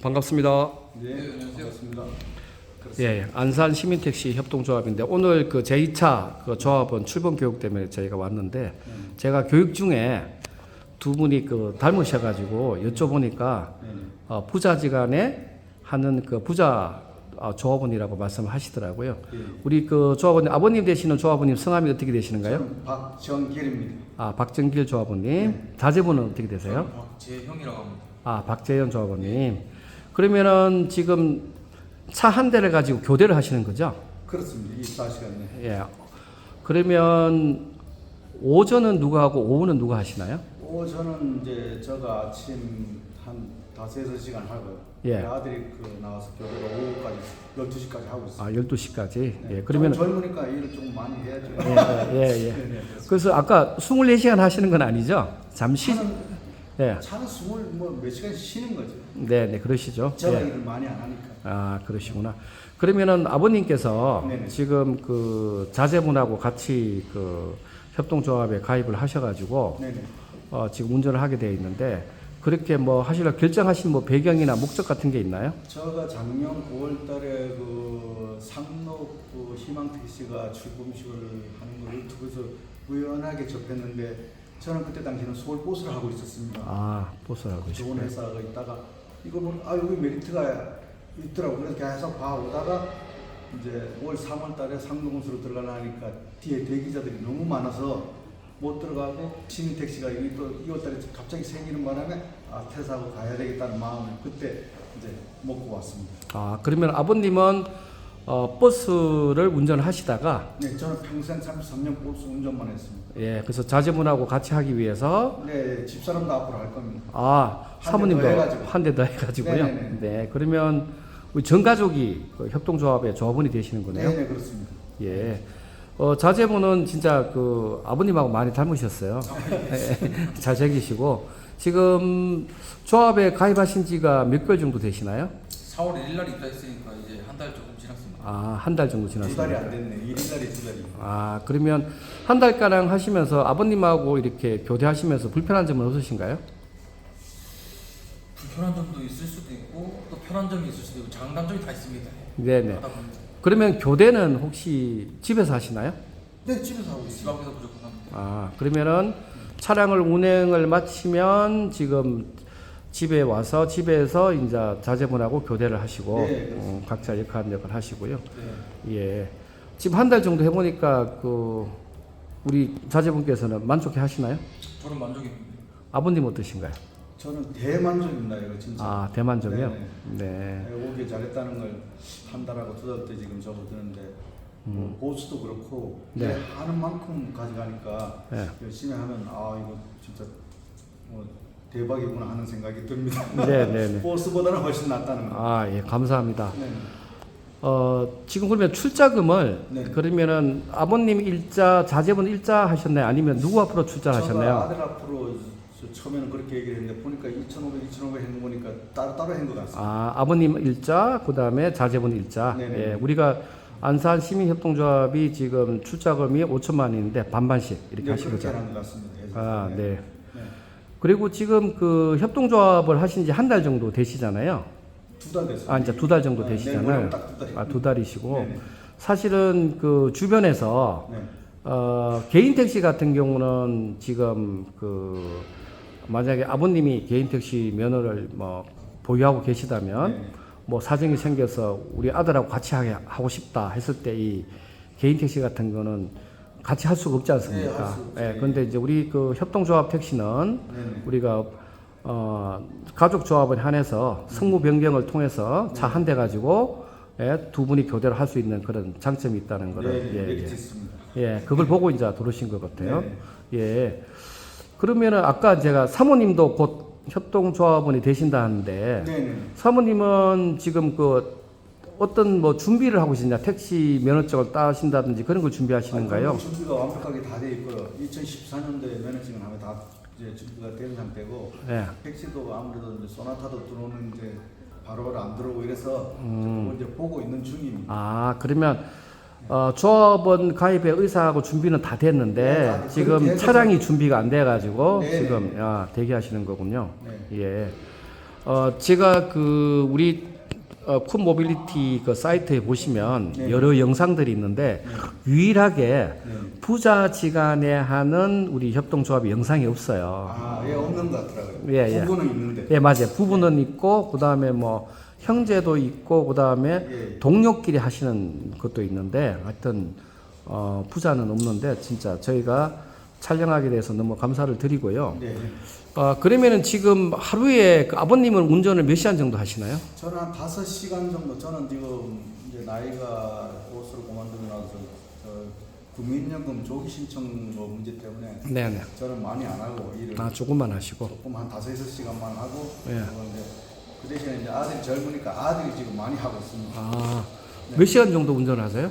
반갑습니다. 네, 안녕하세요. 반갑습니다. 예, 안산 시민택시 협동조합인데 오늘 그 제2차 그 조합원 출범 교육 때문에 저희가 왔는데 제가 교육 중에 두 분이 그 닮으셔가지고 여쭤보니까 부자지간에 하는 그 부자 조합원이라고 말씀하시더라고요. 우리 그 조합원님 아버님 되시는 조합원님 성함이 어떻게 되시는가요? 저는 박정길입니다. 아, 박정길 조합원님. 자제분은 어떻게 되세요? 박재형이라고 합니다. 아, 박재현 조합원님. 그러면은 지금 차 한 대를 가지고 교대를 하시는 거죠? 그렇습니다. 24시간에. 예. 그러면 오전은 누가 하고 오후는 누가 하시나요? 저는 이제 저가 아침 한 5-6시간 하고요. 예. 아들이 그 나와서 교대가 오후까지 12시까지 하고 있어요. 아, 12시까지. 네. 예. 그러면 젊으니까 일을 좀 많이 해야죠. 예. 네. 그래서 아까 24시간 하시는 건 아니죠? 잠시 차는 20몇 시간씩 쉬는 거죠. 네, 그러시죠. 제가 예. 일을 많이 안 하니까. 아, 그러시구나. 그러면은 아버님께서 네네. 지금 그 자제분하고 같이 그 협동조합에 가입을 하셔가지고 네네. 지금 운전을 하게 되어 있는데 그렇게 뭐 하시려 결정하신 뭐 배경이나 목적 같은 게 있나요? 제가 작년 9월달에 그 상록 그 희망택시가 출범식을 하는 걸 유튜브에서 우연하게 접했는데 저는 그때 당시에는 서울버스를 하고 있었습니다. 아, 보스라고 좋은 회사가 있다가 이거 보면 여기 메리트가 있더라고. 그래서 계속 봐오다가 이제 올 3월달에 상록운수로 들어가니까 뒤에 대기자들이 너무 많아서 못 들어가고 시민택시가 여기 또 2월달에 갑자기 생기는 바람에 퇴사하고 가야 되겠다는 마음을 그때 이제 먹고 왔습니다. 아, 그러면 아버님은 버스를 운전하시다가 네, 저는 평생 33년 버스 운전만 했습니다. 예, 그래서 자제분하고 같이 하기 위해서 네, 집사람도 앞으로 할 겁니다. 아, 한 사모님도 대 더 해가지고. 한 대 더 해가지고요. 네네네. 네, 그러면 우리 전 가족이 그 협동조합의 조합원이 되시는 거네요. 네, 그렇습니다. 예. 자제분은 진짜 그 아버님하고 많이 닮으셨어요. 잘생기시고 지금 조합에 가입하신 지가 몇 개월 정도 되시나요? 4월 1일 날 입사했으니까 이제 한 달 조금 지났습니다. 아, 한 달 정도 두 지났습니다. 달이 안 됐네. 1일날이 두 달이. 아, 그러면 한 달가량 하시면서 아버님하고 이렇게 교대하시면서 불편한 점은 없으신가요? 불편한 점도 있을 수도 있고 또 편한 점이 있을 수도 있고 장단점이 다 있습니다. 네네. 하다 보니까 그러면 교대는 혹시 집에서 하시나요? 네, 집에서 하고 있습니다. 집 앞에서 무조건 합니다. 아, 그러면은 차량을 운행을 마치면 지금 집에 와서 집에서 이제 자제분하고 교대를 하시고 네, 그렇습니다. 각자 역할 하시고요. 네. 예. 지금 한 달 정도 해보니까 그 우리 자제분께서는 만족해 하시나요? 저는 만족입니다. 아버님 어떠신가요? 저는 대만족입니다. 이거 진짜. 아, 대만족이요? 네네. 네. 오길 잘했다는 걸 한 달하고 두 달 때 지금 접어드는데 뭐 보수도 그렇고 네. 하는 만큼 가져가니까 네. 열심히 하면 이거 진짜 뭐 대박이구나 하는 생각이 듭니다. 네네네. 보수보다는 훨씬 낫다는 거. 아, 예, 감사합니다. 네. 지금 그러면 출자금을 네. 그러면은 아버님 일자, 자제분 일자 하셨나요? 아니면 누구 앞으로 출자를 제가 하셨나요? 아들 앞으로 처음에는 그렇게 얘기를 했는데 보니까 2,500 했는 거 보니까 따로 한 것 같습니다. 아, 아버님 일자, 그 다음에 자제분 일자. 네네. 예, 우리가 안산 시민협동조합이 지금 출자금이 5천만 원인데 반반씩 이렇게 하신 그렇게 거죠. 하는 것 같습니다. 아, 네. 네. 그리고 지금 그 협동조합을 하신 지 한 달 정도 되시잖아요. 2달 됐어요. 아, 이제 2달 정도 네, 되시잖아요. 내년은 딱 2달. 아, 2달이시고. 네네. 사실은 그 주변에서 네. 개인 택시 같은 경우는 지금 그 만약에 아버님이 개인 택시 면허를 뭐 보유하고 계시다면 네. 뭐 사정이 생겨서 우리 아들하고 같이 하고 싶다 했을 때 이 개인 택시 같은 거는 같이 할 수가 없지 네, 않습니까? 할수 없죠. 예, 그런데 이제 우리 그 협동조합 택시는 네네. 우리가 가족 조합을 한해서 승무 변경을 통해서 차 한 대 가지고 두 분이 교대를 할 수 있는 그런 장점이 있다는 거를 네, 메리트 있습니다. 예, 그걸 보고 이제 들어오신 것 같아요. 네. 예. 그러면은 아까 제가 사모님도 곧 협동조합원이 되신다는데 네네. 사모님은 지금 그 어떤 뭐 준비를 하고 계시냐? 택시 면허증을 따신다든지 그런 걸 준비하시는가요? 준비가 완벽하게 다 돼 있고요. 2014년도에 면허증을 하면 다 이제 준비가 된 상태고 예. 택시도 아무래도 이제 소나타도 들어오는 이제 바로바로 안 들어오고 이래서 그걸 이제 보고 있는 중입니다. 아, 그러면 조합원 가입의 의사하고 준비는 다 됐는데 네, 다 지금 그렇게 해서 차량이 준비가 안 돼가지고 네. 지금 대기하시는 거군요. 네. 예. 제가 그 우리 쿤 모빌리티 그 사이트에 보시면 네. 여러 영상들이 있는데 유일하게 네. 부자지간에 하는 우리 협동조합의 영상이 없어요. 아, 예, 없는 것 같더라고요. 예, 예. 부부는 있는데. 예, 맞아요. 부부는 있고 그다음에 뭐 형제도 있고 그다음에 예. 동료끼리 하시는 것도 있는데 하여튼 부자는 없는데 진짜 저희가 촬영하게 돼서 너무 감사를 드리고요. 네. 그러면은 지금 하루에 그 아버님은 운전을 몇 시간 정도 하시나요? 저는 한 5시간 정도. 저는 지금 이제 나이가 옷으로 그만두고 나서 저 국민연금 조기 신청 뭐 문제 때문에 네네. 저는 많이 안 하고 일을 조금만 하시고. 조금 한 5-6시간만 하고 예. 그런데 그 대신에 이제 아들이 젊으니까 아들이 지금 많이 하고 있습니다. 몇 시간 정도 운전하세요?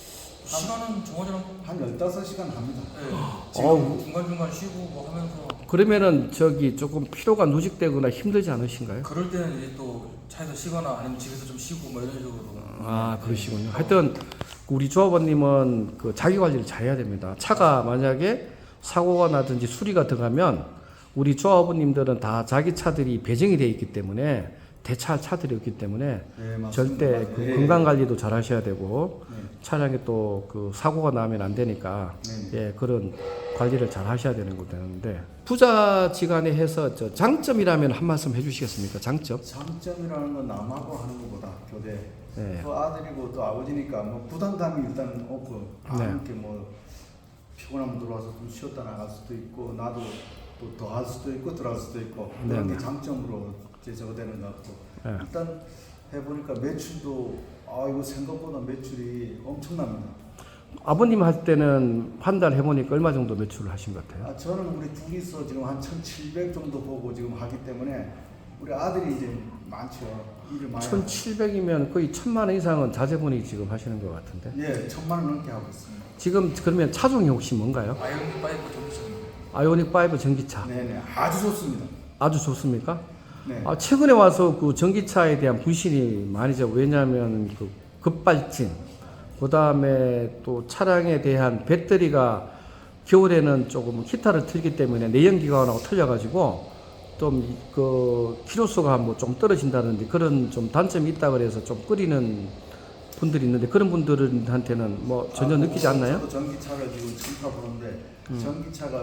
시간은 정하자면 한 15시간 합니다. 네. 어우. 지금 중간중간 쉬고 뭐 하면서 그러면은 저기 조금 피로가 누적되거나 힘들지 않으신가요? 그럴 때는 이제 또 차에서 쉬거나 아니면 집에서 좀 쉬고 뭐 이런 식으로. 그러시군요. 하여튼 우리 조합원님은 그 자기 관리를 잘해야 됩니다. 차가 만약에 사고가 나든지 수리가 들어가면 우리 조합원님들은 다 자기 차들이 배정이 되어 있기 때문에 대차할 차들이 없기 때문에 네, 맞습니다. 절대 맞아요. 그 예. 건강 관리도 잘 하셔야 되고 네. 차량에 또 그 사고가 나면 안 되니까 예, 그런 관리를 잘 하셔야 되는 거 되는데 부자지간에 해서 저 장점이라면 한 말씀 해주시겠습니까? 장점? 장점이라는 건 남하고 하는 것보다 교대. 네. 또 아들이고 또 아버지니까 뭐 부담감이 일단 없고 네. 이렇게 뭐 피곤하면 들어와서 좀 쉬었다 나갈 수도 있고 나도 또 더 할 수도 있고 들어갈 수도 있고 그런 네, 게 장점으로 이제 저거 되는 것 같고 네. 일단 해보니까 매출도 이거 생각보다 매출이 엄청납니다. 아버님 할 때는 한 달 해보니까 얼마 정도 매출을 하신 것 같아요? 저는 우리 둘이서 지금 한 1,700 정도 보고 지금 하기 때문에 우리 아들이 이제 많죠. 일을 많이 하고. 1,700이면 거의 1,000만 원 이상은 자제분이 지금 하시는 것 같은데. 예, 1,000만 원 넘게 하고 있습니다. 지금 그러면 차종이 혹시 뭔가요? 아이언 파이브 정비차입니다. 아이오닉 5 전기차. 네네, 아주 좋습니다. 아주 좋습니까? 네. 최근에 와서 그 전기차에 대한 불신이 많이죠. 왜냐하면 그 급발진, 그 다음에 또 차량에 대한 배터리가 겨울에는 조금 히터를 틀기 때문에 내연기관하고 틀려가지고 좀 그 키로수가 뭐 좀 떨어진다든지 그런 좀 단점이 있다 그래서 좀 끓이는 분들이 있는데 그런 분들한테는 뭐 전혀 느끼지 않나요? 저도 전기차를 지금 처음 타보는데 전기차가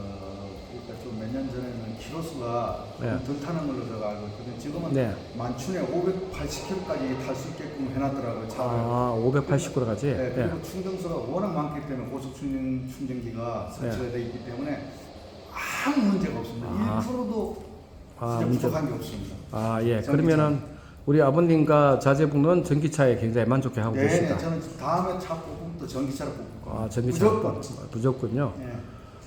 그러니까 좀 몇 년 전에는 키로수가 네. 덜 타는 걸로 제가 알고 있거든요. 지금은 네. 만춘에 580km까지 탈 수 있게끔 해놨더라고요. 차를. 580km까지. 네, 그리고 충전소가 워낙 많기 때문에 고속 충전기가 설치가 되어 있기 때문에 아무 문제가 없습니다. 1%도 부족한 게 없습니다. 예. 전기차. 그러면은 우리 아버님과 자제분은 전기차에 굉장히 만족해 하고 네, 계시다. 저는 다음에 차 뽑으면 또 전기차를 뽑고. 전기차. 무조건. 무조건요. 네.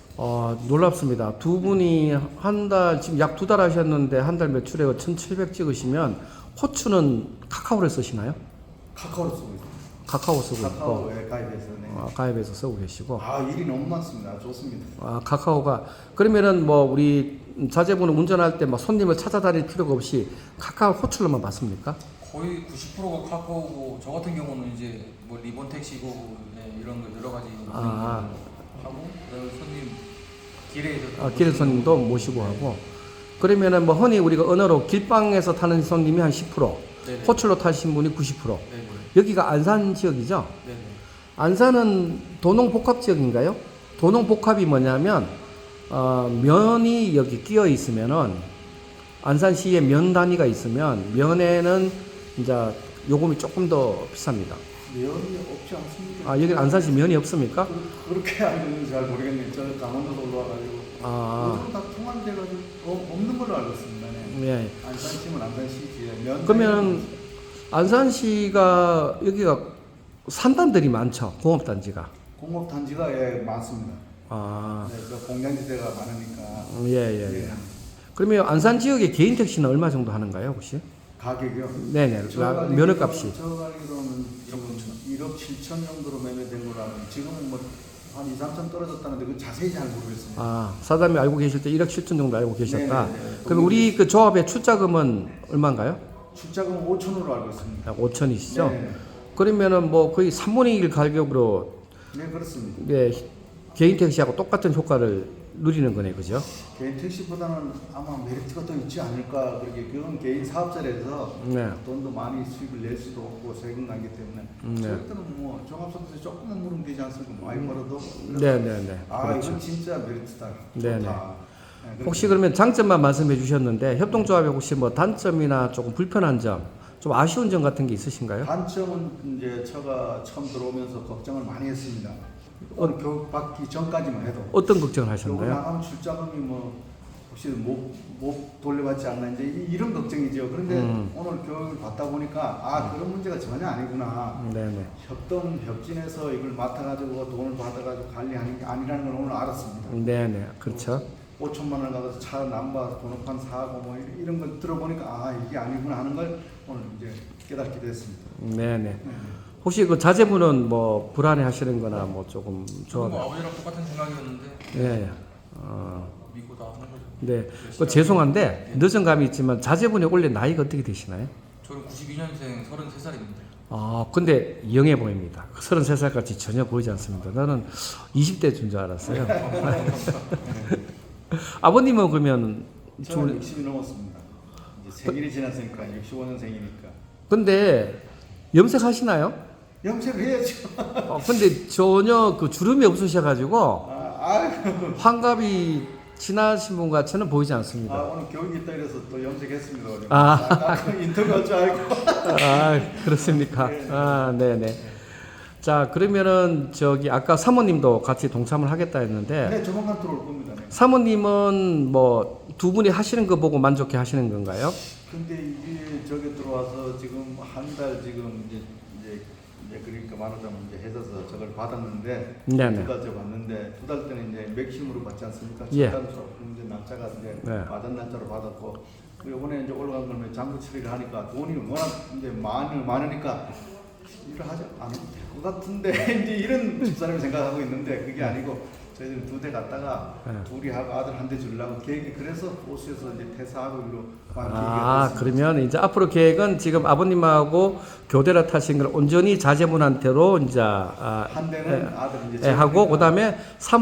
놀랍습니다. 두 분이 한 달, 지금 약 2달 하셨는데 한 달 매출에 1,700 찍으시면 호추는 카카오를 쓰시나요? 카카오를 쓰고 있어요. 카카오 쓰고 있고. 카카오에 가입해서. 네. 가입해서 쓰고 계시고. 일이 너무 많습니다. 좋습니다. 카카오가 그러면은 뭐 우리 자제분은 운전할 때 막 손님을 찾아다닐 필요가 없이 카카오 호출로만 받습니까? 거의 90%가 카카오고 저 같은 경우는 이제 뭐 리본 택시고 네, 이런 거 여러 가지 하고 그다음에 손님 길에서 길에 손님도 모시고 하고 그러면은 뭐 흔히 우리가 언어로 길방에서 타는 손님이 한 10%, 네네. 호출로 타신 분이 90%. 네네. 여기가 안산 지역이죠? 네네. 안산은 도농복합 지역인가요? 도농복합이 뭐냐면 면이 여기 끼어 있으면은 안산시에 면 단위가 있으면 면에는 이제 요금이 조금 더 비쌉니다. 면이 없지 않습니까? 여기 안산시 면이 없습니까? 그렇게 알고 있는지 잘 모르겠네요. 저는 강원도도 올라와가지고 요즘 다 통합돼가지고 없는 걸로 알고 있습니다. 네. 예. 안산시면 안산시지. 면 그러면 안산시가 여기가 산단들이 많죠. 공업단지가. 공업단지가 많습니다. 네, 그 공장지대가 많으니까. 예. 그러면 안산 지역의 개인 택시는 얼마 정도 하는가요, 혹시? 가격이요? 네네. 면허값이. 저 알기로는 지금 1억 7천 정도로 매매된 걸로 알고 지금은 뭐 한 2, 3천 떨어졌다는데 그 자세히 잘 모르겠습니다. 사장님이 알고 계실 때 1억 7천 정도 알고 계셨다. 네네네. 그럼 우리 그 조합의 출자금은 얼마인가요? 출자금은 5천으로 알고 있습니다. 5천이시죠? 네. 그러면은 뭐 거의 3분의 1 가격으로 네, 그렇습니다. 개인 택시하고 똑같은 효과를 누리는 거네, 그죠? 개인 택시보다는 아마 메리트가 더 있지 않을까. 그렇게 그건 개인 사업자라서 네. 돈도 많이 수입을 낼 수도 없고 세금 나기 때문에 네. 저희들은 뭐 종합소득세 조금만 물으면 되지 않습니까? 많이 벌어도. 네네네. 아 그렇죠. 이건 진짜 메리트다. 네네. 좋다. 네, 혹시 그러면 장점만 말씀해 주셨는데 협동조합에 혹시 뭐 단점이나 조금 불편한 점, 좀 아쉬운 점 같은 게 있으신가요? 단점은 이제 제가 처음 들어오면서 걱정을 많이 했습니다. 오늘 교육 받기 전까지만 해도 어떤 걱정을 요거 하셨나요? 나가면 출자금이 뭐 혹시 못 돌려받지 않나 이제 이런 걱정이죠. 그런데 오늘 교육을 받다 보니까 아 그런 문제가 전혀 아니구나. 네네. 협진해서 이걸 맡아가지고 돈을 받아가지고 관리하는 게 아니라는 걸 오늘 알았습니다. 네네. 그렇죠. 5천만 원 가서 차 남바 번호판 사고 뭐 이런 걸 들어보니까 아 이게 아니구나 하는 걸 오늘 이제 깨닫게 됐습니다. 네네. 혹시 그 자제분은 뭐 불안해 하시는 거나 뭐 조금 저도 뭐 조합. 아버지랑 똑같은 생각이었는데 네. 믿고 다 하는 거죠. 네. 그 죄송한데 늦은 감이 있지만 자제분이 원래 나이가 어떻게 되시나요? 저는 92년생 33살입니다. 아, 근데 영해 보입니다. 33살 같이 전혀 보이지 않습니다. 나는 20대인 줄 알았어요. 아버님은 그러면 저는 60이 넘었습니다. 이제 생일이 지났으니까 65년생이니까 근데 염색하시나요? 염색해야죠. 근데 전혀 그 주름이 없으셔가지고 아이고. 환갑이 지나신 분 같이는 보이지 않습니다. 오늘 교육이 있다 이래서 또 염색했습니다. 아. 인터뷰할 줄 알고. 아, 그렇습니까? 아, 네네. 자, 그러면은 저기 아까 사모님도 같이 동참을 하겠다 했는데 네, 조만간 들어올 겁니다. 네. 사모님은 뭐 두 분이 하시는 거 보고 만족해 하시는 건가요? 근데 이게 저기 들어와서 지금 한 달 지금 이제 그러니까 말하자면 이제 해서 저걸 받았는데 네네. 두 달째 받는데 두 달 때는 이제 맥심으로 받지 않습니까? 예. 첫 달 조금 이제 날짜가 이제 네. 받은 날짜로 받았고 이번에 이제 올라간 거는 장부 처리를 하니까 돈이 워낙 이제 많으니까 일을 하지 않아도 될 것 같은데 이제 이런 집사람이 생각하고 있는데 그게 아니고 저희들 두 대 갔다가 네. 둘이 하고 아들 한 대 주려고 계획이 그래서 호수에서 이제 퇴사하고 일로 아, 그러면 이제 앞으로 계획은 지금 아버님하고 교대로 타신 걸 온전히 자제분한테로 이제 한 대는 아들 이제 하고 그다음에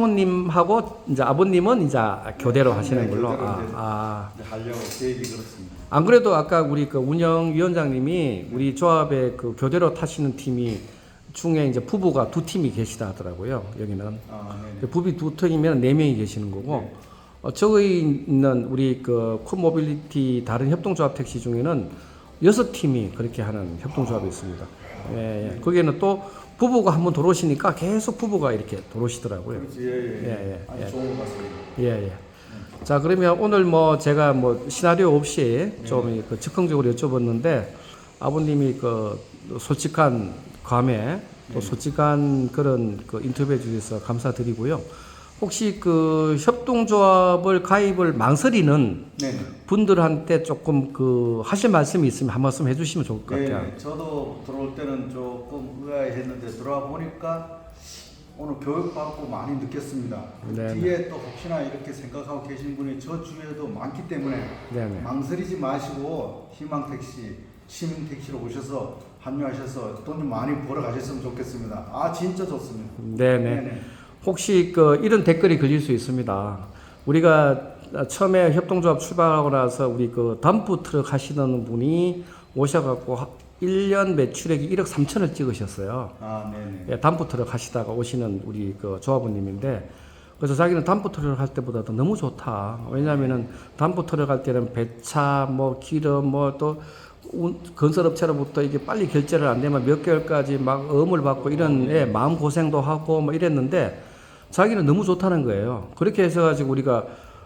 사모님하고 이제 아버님은 이제 교대로 하시는 걸로. 교대로 이제 아. 하려고 계획이 그렇습니다. 안 그래도 아까 우리 그 운영위원장님이 우리 조합의 그 교대로 타시는 팀이 중에 이제 부부가 두 팀이 계시다 하더라고요. 여기는 네네. 부부 두 팀이면 네 명이 계시는 거고 저기 있는 우리 그 쿨모빌리티 다른 협동조합 택시 중에는 6팀이 그렇게 하는 협동조합이 있습니다. 예. 거기에는 또 부부가 한번 들어오시니까 계속 부부가 이렇게 들어오시더라고요. 그렇지, 예. 예. 아주 좋은 것 같습니다. 예. 자, 그러면 오늘 뭐 제가 뭐 시나리오 없이 좀 그 즉흥적으로 여쭤봤는데 아버님이 그 솔직한 감에 또 솔직한 그런 그 인터뷰해 주셔서 감사드리고요. 혹시 그 협동조합을 가입을 망설이는 네. 분들한테 조금 그 하실 말씀이 있으면 한 말씀 해주시면 좋을 것 같아요. 네, 저도 들어올 때는 조금 의아해했는데 들어와 보니까 오늘 교육받고 많이 느꼈습니다. 네네. 뒤에 또 혹시나 이렇게 생각하고 계신 분이 저 주위에도 많기 때문에 네네. 망설이지 마시고 희망택시, 시민택시로 오셔서 합류하셔서 돈 좀 많이 벌어 가셨으면 좋겠습니다. 아 진짜 좋습니다. 네네. 혹시 그 이런 댓글이 걸릴 수 있습니다. 우리가 처음에 협동조합 출발하고 나서 우리 그 덤프 트럭 하시는 분이 오셔갖고 1년 매출액이 1억 3천을 찍으셨어요. 아 네네. 예, 덤프 트럭 하시다가 오시는 우리 그 조합원님인데 그래서 자기는 덤프 트럭 할 때보다도 너무 좋다. 왜냐하면은 덤프 트럭 할 때는 배차, 뭐 기름, 뭐 또 건설업체로부터 이게 빨리 결제를 안 되면 몇 개월까지 막 어음을 받고 이런 마음 고생도 하고 뭐 이랬는데 자기는 너무 좋다는 거예요. 그렇게 해서 가지고 우리가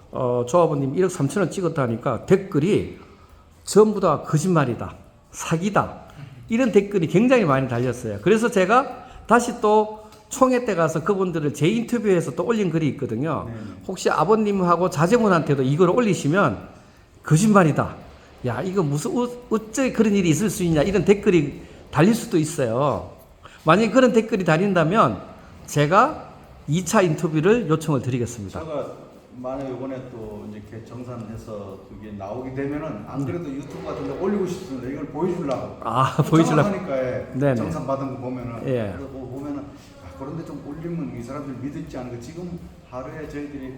조합원님 1억 3천을 찍었다니까 댓글이 전부 다 거짓말이다, 사기다 이런 댓글이 굉장히 많이 달렸어요. 그래서 제가 다시 또 총회 때 가서 그분들을 재인터뷰해서 또 올린 글이 있거든요. 혹시 아버님하고 자제분한테도 이걸 올리시면 거짓말이다. 야, 이거 무슨 어째 그런 일이 있을 수 있냐 이런 댓글이 달릴 수도 있어요. 만약에 그런 댓글이 달린다면 제가 2차 인터뷰를 요청을 드리겠습니다. 제가 만약 이번에 또 이렇게 정산해서 그게 나오게 되면은 안 그래도 유튜브 같은 데 올리고 싶습니다. 이걸 보여주려고. 보여주려고. 하니까 네네. 정산 받은 거 보면은. 예. 그래서 보면은 그런데 좀 올리면 이 사람들 믿을지 않을까. 지금 하루에 저희들이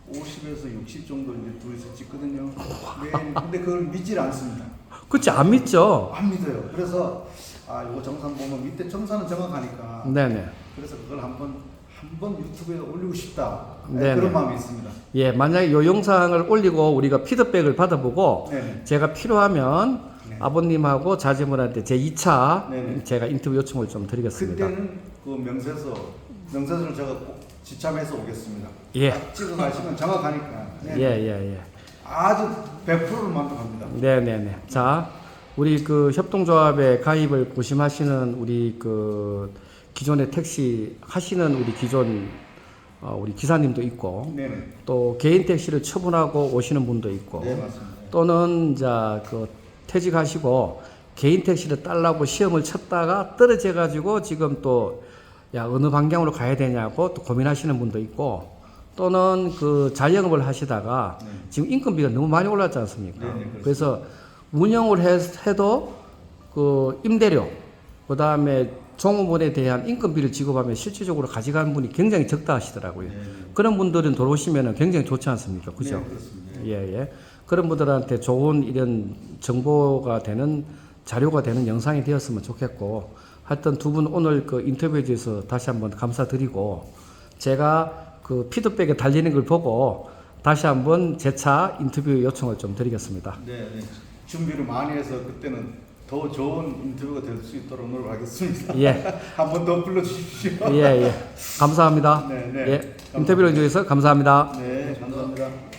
50에서 60 정도 이제 둘이서 찍거든요. 근데 그걸 믿질 않습니다. 그치, 안 믿죠? 안 믿어요. 그래서 이거 정산 보면 밑에 정산은 정확하니까. 네네. 그래서 그걸 한번 유튜브에 올리고 싶다. 네네. 그런 마음이 있습니다. 예, 만약에 이 영상을 올리고 우리가 피드백을 받아보고 네네. 제가 필요하면 네. 아버님하고 자제분한테 제 2차 네네. 제가 인터뷰 요청을 좀 드리겠습니다. 그때는 그 명세서를 제가 꼭 지참해서 오겠습니다. 예. 딱 찍어 가시면 정확하니까. 네. 예. 아주 100%를 만족합니다. 네네네. 자, 우리 그 협동조합에 가입을 고심하시는 우리 그 기존의 택시 하시는 우리 기존 우리 기사님도 있고 네네. 또 개인 택시를 처분하고 오시는 분도 있고 네, 맞습니다. 또는 이제 그 퇴직하시고 개인 택시를 딸라고 시험을 쳤다가 떨어져 가지고 지금 또 야 어느 방향으로 가야 되냐고 또 고민하시는 분도 있고 또는 그 자영업을 하시다가 네. 지금 인건비가 너무 많이 올랐지 않습니까? 네, 그렇습니다. 그래서 운영을 해도 그 임대료 그다음에 종업원에 대한 인건비를 지급하면 실질적으로 가져가는 분이 굉장히 적다 하시더라고요. 네. 그런 분들은 들어오시면 굉장히 좋지 않습니까? 그죠? 네, 그렇습니다. 예. 그런 분들한테 좋은 이런 정보가 되는 자료가 되는 영상이 되었으면 좋겠고 하여튼 두 분 오늘 그 인터뷰에 대해서 다시 한번 감사드리고 제가 그 피드백에 달리는 걸 보고 다시 한번 재차 인터뷰 요청을 좀 드리겠습니다. 네. 준비를 많이 해서 그때는 더 좋은 인터뷰가 될 수 있도록 노력하겠습니다. 예. 한 번 더 불러주십시오. 감사합니다. 네. 예. 인터뷰를 해주셔서 감사합니다. 네, 감사합니다.